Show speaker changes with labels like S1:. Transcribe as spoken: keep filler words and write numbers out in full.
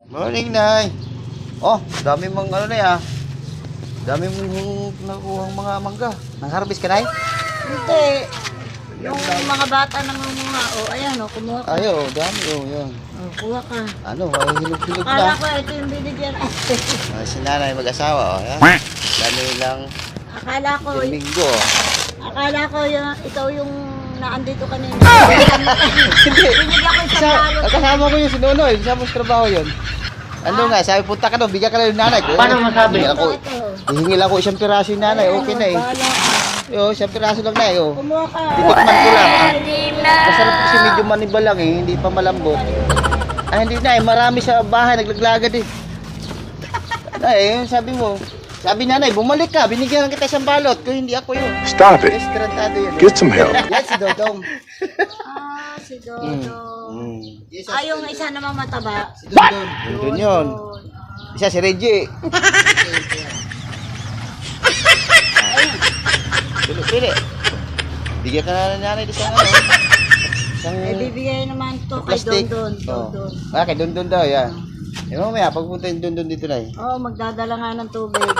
S1: Morning, Nay. Oh, dami mong ano na ya. Dami mong nakuhang mga mangga. Nang-harvest ka, Nay?
S2: Hindi. Yung mga bata nangunguha, o oh, ayan, o, oh, kumuha ka.
S1: Ayo, dami oh, yan.
S2: O, oh, kuha ka.
S1: Ano, ay hilog-hilog
S2: Akala
S1: na.
S2: ko ito yung binigyan.
S1: Ah, si Nanay mag-asawa, oh, yan. Dami lang
S2: Akala ko,
S1: Domingo.
S2: akala ko yung, ikaw yung naandito kanina.
S1: Hindi.
S2: Binigyan ko isang
S1: Sa,
S2: balot.
S1: kasama ko yung si Nonoy, kasama sa trabaho yun. Ano nga, sabi punta ka doon, bigyan ka lang yung nanay ko. Paano masabi? Ako,
S2: Ito.
S1: hihingil ako isang piraso yung nanay, okay na eh.
S2: Bahala ka.
S1: Yo, isang piraso lang na eh, oh.
S2: Kumuha ka.
S1: Titikman ko lang. Ah. Masarap kasi medyo maniba lang eh, hindi pa malambot. Ay, hindi na eh, marami sa bahay, naglaglagad eh. Ay, yung sabi mo, sabi nanay, bumalik ka, binigyan kita isang balot, kung hindi ako yun.
S3: Stop it.
S1: Restaurantado yun.
S3: Get some help.
S1: Yan si Dodong.
S2: Ah, si Dodo.
S1: Mm.
S2: Ah, yung isa namang mataba.
S1: Si Dodong. Dodong yun. Isa si Reggie. Pili, pili. Bigyan ka na ng nanay doon sa ano. Isang
S2: Eh, bibigay naman to kay
S1: plastic.
S2: Dondon.
S1: Oh.
S2: Dondon.
S1: Ah, kay Dondon daw, yan. Eh, mamaya, pagpunta yung Dondon dito na eh.
S2: Oo, oh, magdadala nga ng tubig.